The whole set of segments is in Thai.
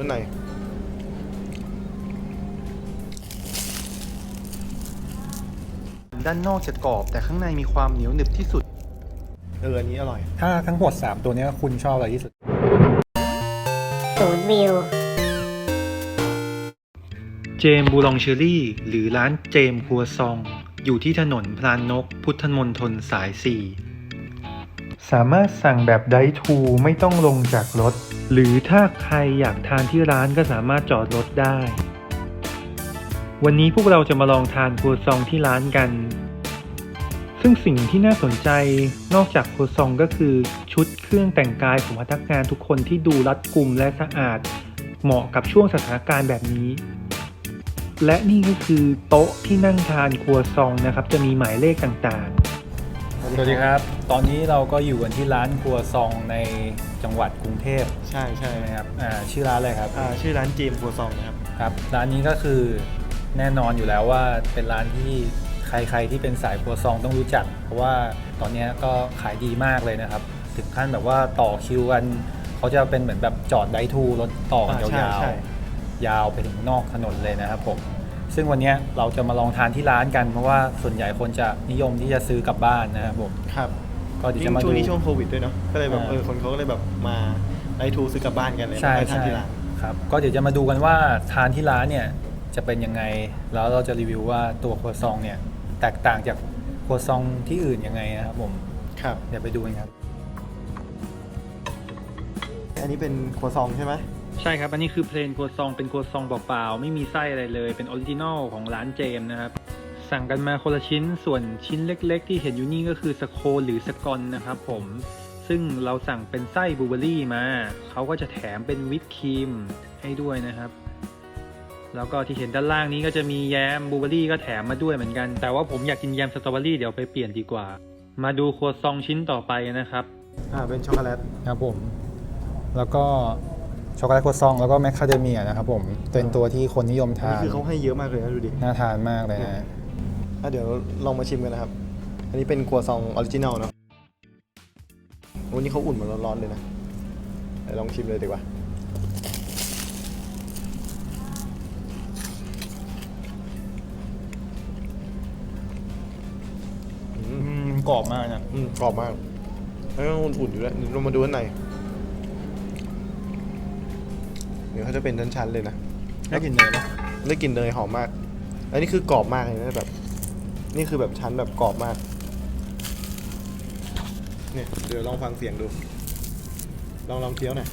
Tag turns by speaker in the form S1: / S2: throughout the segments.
S1: ด้านใน
S2: ด้านนอกจะกรอบแต่ข้างในมีความเหนียวหนึบที่สุด
S1: อันนี้อร่อย
S3: ถ้าทั้งหมด3ตัวนี้คุณชอบอะไรที่สุด
S4: 0 วิว
S2: เจมบูลองเชอรี่หรือร้านเจมครัวซองอยู่ที่ถนนพลานนกพุทธมณฑลสาย 4สามารถสั่งแบบไดฟ์ทูไม่ต้องลงจากรถหรือถ้าใครอยากทานที่ร้านก็สามารถจอดรถได้วันนี้พวกเราจะมาลองทานครัวซองที่ร้านกันซึ่งสิ่งที่น่าสนใจนอกจากครัวซองก็คือชุดเครื่องแต่งกายของพนักงานทุกคนที่ดูรัดกุมและสะอาดเหมาะกับช่วงสถานการณ์แบบนี้และนี่ก็คือโต๊ะที่นั่งทานครัวซองนะครับจะมีหมายเลขต่าง
S3: ๆสวัสดีครับตอนนี้เราก็อยู่กันที่ร้านครัวซองในจังหวัดกรุงเทพ
S1: ใช่
S3: ไหมครับชื่อร้านอะไรครับ
S1: ชื่อร้านเจมครัวซองนะครับ
S3: ครับร้านนี้ก็คือแน่นอนอยู่แล้วว่าเป็นร้านที่ใครที่เป็นสายครัวซองต้องรู้จักเพราะว่าตอนนี้ก็ขายดีมากเลยนะครับถึงขั้นแบบว่าต่อคิวกันเขาจะเป็นเหมือนแบบจอดไดทูรถต่อกันยาวๆยาวไปถึงนอกถนนเลยนะครับผมซึ่งวันนี้เราจะมาลองทานที่ร้านกันเพราะว่าส่วนใหญ่คนจะนิยมที่จะซื้อกลับบ้านนะครับผม
S1: ครับ
S3: ก็เดี๋ยวจะมาดู
S1: ช่วงนี้ช่วงโควิดด้วยเนาะก็เลยแบบคนเขาก็เลยแบบมาไดทูซื้อกลับบ้านกันเลย
S3: ใช่
S1: ทานที่ร้าน
S3: ครับก็เดี๋ยวจะมาดูกันว่าทานที่ร้านเนี่ยจะเป็นยังไงแล้วเราจะรีวิวว่าตัวครัวซองเนี่ยแตกต่างจากครัวซองที่อื่นยังไงนะครับผม
S1: ครับ
S3: เดี๋ยวไปดูกันครับ
S1: อันนี้เป็นครัวซองใช่ไหม
S2: ใช่ครับอันนี้คือเพลนครัวซองเป็นครัวซองเปล่าๆไม่มีไส้อะไรเลยเป็นออริจินอลของร้านเจมนะครับสั่งกันมาคนละชิ้นส่วนชิ้นเล็กๆที่เห็นอยู่นี่ก็คือสโคนหรือสกอนนะครับผมซึ่งเราสั่งเป็นไส้บลูเบอร์รี่มาเขาก็จะแถมเป็นวิปครีมให้ด้วยนะครับแล้วก็ที่เห็นด้านล่างนี้ก็จะมีแยมบลูเบอร์รี่ก็แถมมาด้วยเหมือนกันแต่ว่าผมอยากกินแยมสตรอเบอรี่เดี๋ยวไปเปลี่ยนดีกว่ามาดูครัวซองชิ้นต่อไปนะครับ
S1: เป็นช็อกโกแลต
S3: ครับผมแล้วก็ช็อกโกแลตครัวซองแล้วก็แมคคาเดเมียนะครับผมเป็นตัวที่คนนิยมทาน
S1: นี่คือเขาให้เยอะมากเลยนะดูดิ
S3: น่าทานมากเลยนะ
S1: เดี๋ยวลองมาชิมกันนะครับอันนี้เป็นครัวซองออริจินัลเนาะวันนี้เขาอุ่นมาร้อนๆเลยนะลองชิมเลยดีกว่
S3: ากรอบมากนะ
S1: กรอบมากแล้วก็อุ่นๆอยู่แล้วเรามาดูข้างในเดี๋ยวเขาจะเป็นชั้นๆเลยนะ
S3: ได้กลิ่นเนยไหม
S1: ได้กลิ่นเนยหอมมากอันนี้คือกรอบมากเลยนะแบบนี่คือแบบชั้นแบบกรอบมากเนี่ยเดี๋ยวลองฟังเสียงดูลองเคี้ยวหน่อย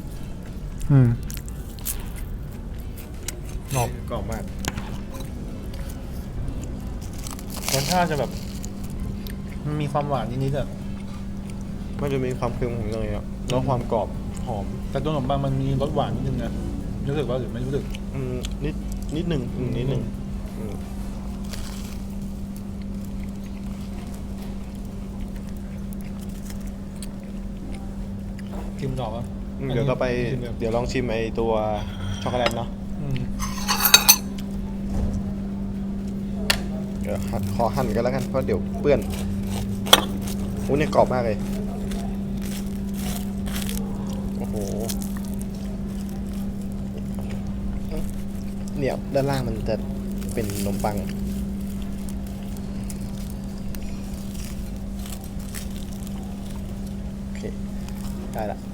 S1: กรอบมาก
S3: รสชาติจะแบบมันมีความหวานนิดๆอ่ะ
S1: มันจะมีความเค็มของเนยอ่ะแล้วความกรอบหอม
S3: แต่ตัวขนมปังมันมีรสหวานนิดนึงนะรู้สึกว่าหรือไม่รู้สึก
S1: นิดหนึ่ง
S3: ชิมต่อป่ะ
S1: เดี๋ยวก็ไปเดี๋ยวลองชิมไอตัวช็อกโกแลตเนาะเดี๋ยวขอหั่นกันแล้วกันเพราะเดี๋ยวเปื้อนเนี่ยกรอบมากเลยโอ้โหเนี่ยด้านล่างมันจะเป็นขนมปังโอเคได้ละ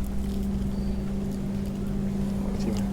S1: ชิม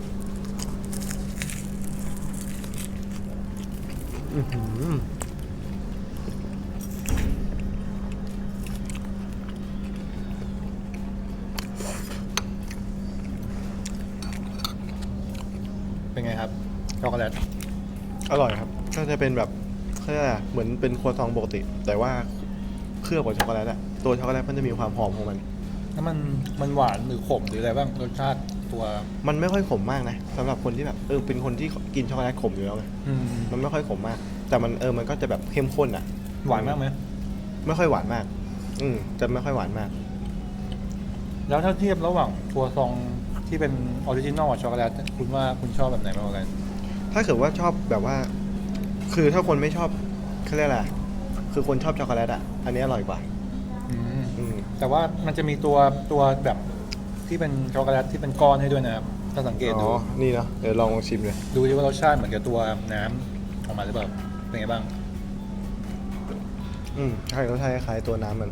S3: เป็นไงครับช็อกโกแลต
S1: อร่อยครับก็จะเป็นแบบเหมือนเป็นครัวซองปกติแต่ว่าเคลือบกับช็อกโกแลตอะตัวช็อกโกแลตมันจะมีความหอมของมัน
S3: แล้วมันหวานหรือขมหรืออะไรบ้างรสชาติตัว
S1: มันไม่ค่อยขมมากนะสำหรับคนที่แบบเป็นคนที่กินช็อกโกแลตขมอยู่แล้วไงมันไม่ค่อยขมมากแต่มันก็จะแบบเข้มข้นอะ
S3: หวานมากไหม
S1: ไม่ค่อยหวานมากจะไม่ค่อยหวานมาก
S3: แล้วถ้าเทียบระหว่างครัวซองที่เป็นออริจินอลกับช็อกโกแลตคุณว่าคุณชอบแบบไหนมากกว่ากัน
S1: ถ้าเกิดว่าชอบแบบว่าคือถ้าคนไม่ชอบเขาเรียกอะไรคือคนชอบช็อกโกแลตอ่ะอันนี้อร่อยกว่า
S3: แต่ว่ามันจะมีตัวแบบที่เป็นช็อกโกแลตที่เป็นก้อนให้ด้วยนะครับถ้าสังเกต
S1: อ๋
S3: ดู
S1: อนี่เนาะเดี๋ยวลองชิมเลย
S3: ดูดิว่ารสชาติเหมือนกับตัวน้ำออกมาหรือเปล่าเป็นไงบ้าง
S1: ใช่รสชาติคล้ายๆตัวน้ำมัน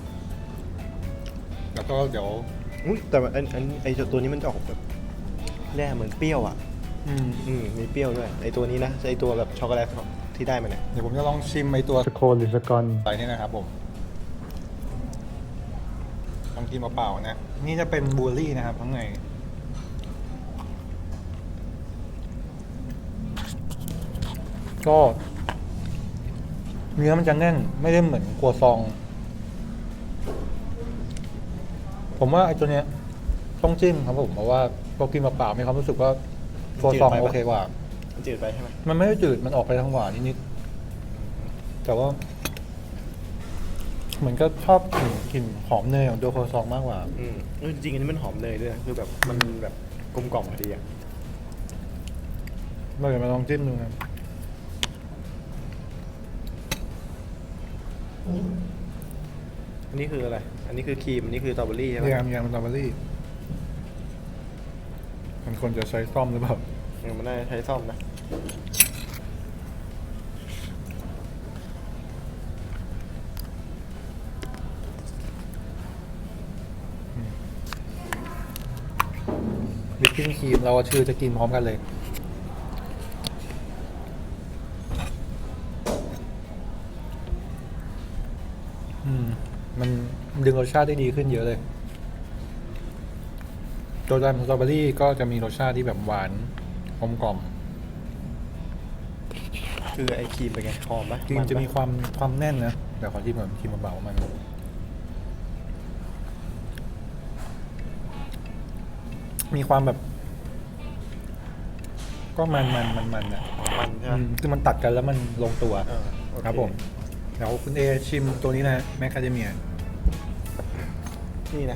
S3: แล้วก็เดี๋ยว
S1: อุ้ยแต่ว่าไอตัวนี้มันจะออกแบบแร่เหมือนเปรี้ยวอ่ะ มีเปรี้ยวด้วยไอตัวนี้นะไอตัวแบบช็อกโกแลตที่ได้มาเนี่ย
S3: เดี๋ยวผมจะลองชิมไอตัว
S2: สโคนหรือสกอน
S3: อะไรนี่นะครับผมลองกินเปล่าๆนะ นี่จะเป็นบลูเบอร์รี่นะครับข้างในก็เนื้อมันจะแน่นไม่ได้เหมือนครัวซอง ผมว่าไอ้ตัวเนี้ยต้องจิ้มครับผมเพราะว่าพอกินเปล่าๆมีความรู้สึกว่าครัวซองโอเคกว่า
S1: มันจืดไปใช่ไหม
S3: มันไม่ได้จืดมันออกไปทางหวานนิดๆแต่ว่า เหมือนก็ชอบกลิ่นหอมเนยของตัวครัวซองมากกว่า
S1: จริงๆอันนี้มันหอมเนยด้วยนะคือแบบมันแบบกลมกล่อมพอดีอ่ะ
S3: เราเดี๋ยวมาลองจิ้มดูนะ
S1: อันนี้คืออะไร อันนี้คือครีมอันนี้คือสตรอเบอรี่ใช่ไหม
S3: ยำสตรอเบอรี่มันควรจะใช้ซ่อมหรือเปล่า
S1: มันน่าจะใช้ซ่อมนะ
S3: วิปปิ้งครีมเราชื่อจะกินพร้อมกันเลย มันดึงรสชาติได้ดีขึ้นเยอะเลย ตัวยำสตรอเบอรี่ก็จะมีรสชาติที่แบบหวานกลมกล่อม
S1: คือไอครีมเป็นไงหอมปะ
S3: จริงจะมีความแน่นนะแต่ขอที่เหมือนครีมเบาๆมัน มีความแบบ ก็มันนะ
S1: มันใช่ไหม
S3: คือมันตัดกันแล้วมันลงตัว
S1: โอเ
S3: ครับผมเดี๋ยวคุณเอชิมตัวนี้นะแมคคาเดเมีย
S1: นี่นะ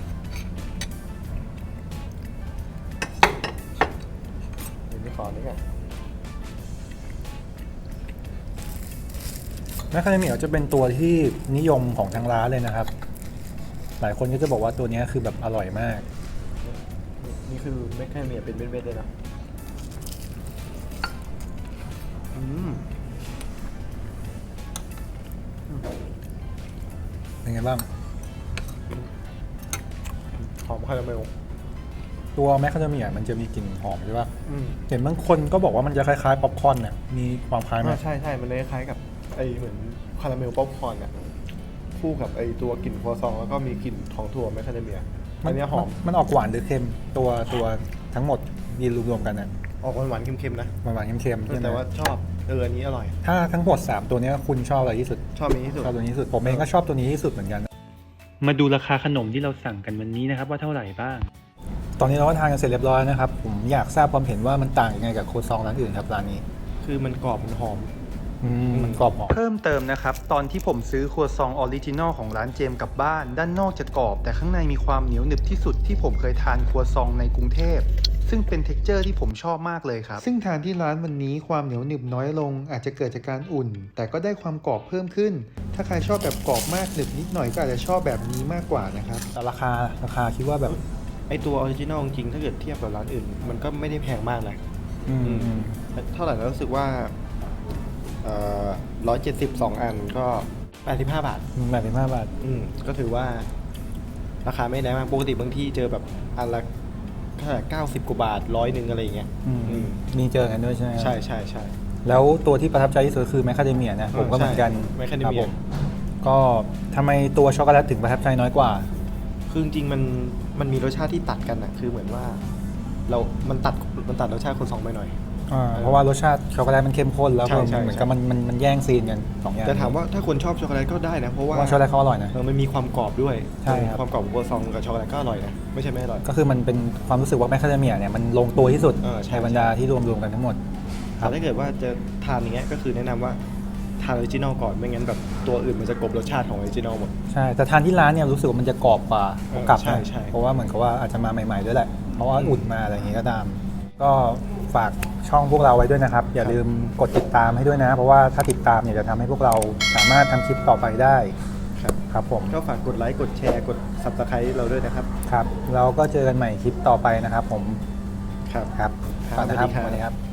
S1: เดี๋ยวนี้ขอนี่ก่อน
S3: แมคคาเดเมียจะเป็นตัวที่นิยมของทางร้านเลยนะครับ หลายคนก็จะบอกว่าตัวนี้คือแบบอร่อยมาก
S1: นี่คือแมคคาเมียเป็นเม็ดๆเลยนะ
S3: เป็นไงบ้าง
S1: หอมคาราเมล
S3: ตัวแมคคาเดเมียมันจะมีกลิ่นหอมใช่ป่ะ
S1: อืม
S3: เห็นบางคนก็บอกว่ามันจะคล้ายๆป๊อปคอร์นเนี่ยมีความคล้ายไหม
S1: ใช่มันเลยคล้ายกับไอเหมือนคาราเมลป๊อปคอร์นอะคู่กับไอตัวกลิ่นครัวซองแล้วก็มีกลิ่นของถั่วแมคคาเดเมียอันเนี้ยหอม
S3: มันออกหวานหรือเค็มตัวทั้งหมดยืนรวมๆกันนะ
S1: ออกหวานๆเค็มๆนะ
S3: หวานๆเค็มๆใช่ไหม
S1: แต่ว่าชอบอันนี้อร่อย
S3: ถ้าทั้งหมด3ตัวเนี้ยคุณชอบอะไรที่สุด
S1: ชอบนี้ที่สุด
S3: ชอบตัวนี้ที่สุดผมเองก็ชอบตัวนี้ที่สุดเหมือนกัน
S2: มาดูราคาขนมที่เราสั่งกันวันนี้นะครับว่าเท่าไหร่บ้าง
S3: ตอนนี้เราก็ทานกันเสร็จเรียบร้อยนะครับผมอยากทราบความเห็นว่ามันต่างยังไงกับโคซองร้านอื่นครับร้านนี้
S1: คือมันกรอบมันหอม
S3: มันกรอบหอม
S2: เพิ่มเติมนะครับ ตอนที่ผมซื้อครัวซองออริจินอลของร้านเจมส์กลับบ้าน ด้านนอกจะกรอบ แต่ข้างในมีความเหนียวหนึบที่สุดที่ผมเคยทานครัวซองในกรุงเทพ ซึ่งเป็นเท็กเจอร์ที่ผมชอบมากเลยครับ ซึ่งทานที่ร้านวันนี้ความเหนียวหนึบน้อยลง อาจจะเกิดจากการอุ่น แต่ก็ได้ความกรอบเพิ่มขึ้น ถ้าใครชอบแบบกรอบมากหนึบนิดหน่อยก็อาจจะชอบแบบนี้มากกว่านะครับ
S3: แต่ราคาคิดว่าแบบ
S1: ไอตัวออริจินอลจริงๆถ้าเกิดเทียบกับร้านอื่น มันก็ไม่ได้แพงมากนะ เท่าไหร่แล้วรู้สึกว่า172 อันก็85 บาท
S3: 85 บาท
S1: ก็ถือว่าราคาไม่แรงมากปกติบางที่เจอแบบอันละเท่าไหร่90 กว่าบาท100อะไรอย่างเงี้ย
S3: มีเจอกันด้วยใช่ไหม
S1: ใช่
S3: แล้วตัวที่ประทับใจที่สุดคือแมคคาเดเมียนะผมก็เหมือนกัน
S1: แมคคาเดเมี
S3: ค
S1: ย
S3: รับผมก็ทำไมตัวช็อกโกแลตถึงประทับใจน้อยกว่า
S1: คือจริงๆมันมีรสชาติที่ตัดกันอะคือเหมือนว่ามันตัดรสชาติคนสองไปหน่อย
S3: เพราะว่ารสชาติช็อกโกแลตมันเข้มข้นแล้ว
S1: ใช่
S3: เหมือนกับมันแย่งซีนกัน2อย่าง
S1: แต่ถามว่าถ้าคนชอบช็อกโกแลตก็ได้นะ เพราะว่า
S3: ช็อกโกแลตเขาอร่อยนะ
S1: มันมีความกรอบด้วย
S3: ใช่ครับ
S1: ความกรอบของโคซองกับช็อกโกแลตก็อร่อยนะไม่ใช่ไม่อร่อย
S3: ก็คือมันเป็นความรู้สึกว่าแมคคาเดเมียเนี่ยมันลงตัวที่สุด
S1: ใช่
S3: ในบรรดาที่รวมๆกันทั้งหมด
S1: แต่ถ้าเกิดว่าจะทานอย่างเงี้ยก็คือแนะนำว่าทานออริจินอลก่อนไม่งั้นแบบตัวอื่นมันจะกลบรสชาติของออริจินอลหมด
S3: ใช่แต่ทานที่ร้านเนี่ยรู้สึกว่ามันจะกรอบกว่ากับ
S1: ใช่ใช่
S3: เพราะว่าเหมือนกับว่าอาจจะมาใหม่ๆด้วยแหละเพราะว่าอุ่นมาอะไรอย่างงี้ก็ตาม ก็ฝากช่องพวกเราไว้ด้วยนะครับ อย่าลืมกดติดตามให้ด้วยนะ เพราะว่าถ้าติดตามเนี่ยจะทำให้พวกเราสามารถทำคลิปต่อไปได้ ครับผม
S1: ก็ฝากกดไลค์กดแชร์กด Subscribe เราด้วยนะครับ
S3: ครับเราก็เจอกันใหม่คลิปต่อไปนะครับผม
S1: ครับ
S3: ครับ
S1: ครับ
S3: ก่อนนะครับ
S1: สวัสดีครับ
S3: สวัสดีครับ